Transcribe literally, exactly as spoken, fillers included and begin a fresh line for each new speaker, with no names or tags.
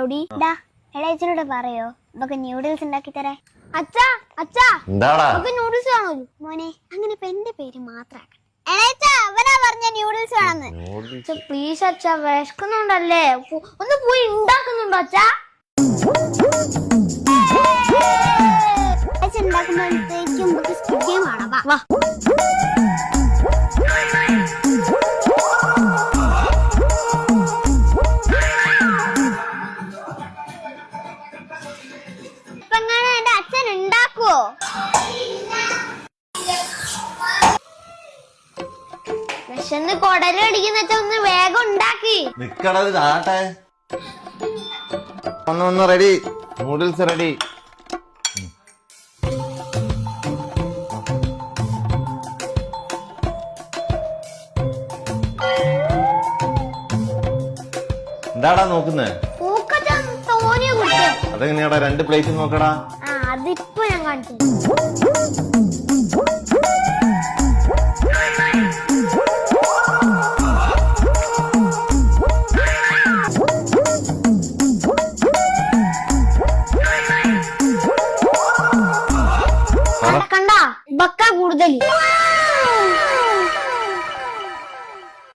Rowdy ഡാ എളേച്ചനോട് പറയോ നമുക്ക് ന്യൂഡിൽസ് ഉണ്ടാക്കി തരാൻ. അച്ഛാ അച്ഛാ നമുക്ക് ന്യൂഡിൽസ് വേണോ മോനെ? അങ്ങനെ ഇപ്പൊ എന്റെ പേര് മാത്രാക്കണം. എളേച്ചാ അവനാ പറഞ്ഞ ന്യൂഡിൽസ് വേണമെന്ന്. പ്ലീസ് അച്ഛാ, വിശക്കുന്നുണ്ടല്ലേ, ഒന്ന് പോയി ഉണ്ടാക്കുന്നുണ്ടോ അച്ഛാ? ഉണ്ടാക്കുമ്പോഴത്തേക്കും നമുക്ക് സ്റ്റുഡിയോ കാണാം. വാ വിശന്ന് കൊടലടിക്കുന്ന ഒന്ന് വേഗം ഉണ്ടാക്കി
നിക്കടത് ആട്ടെ. ഒന്ന് ഒന്ന് റെഡി, നൂഡിൽസ് റെഡി. എന്താടാ നോക്കുന്നേ? അതെങ്ങനെയാടാ രണ്ട് പ്ലേറ്റ് നോക്കടാ.
അതിപ്പോ ഞാൻ കാണിച്ചു. കണ്ടാ ബക്ക കൂടുതൽ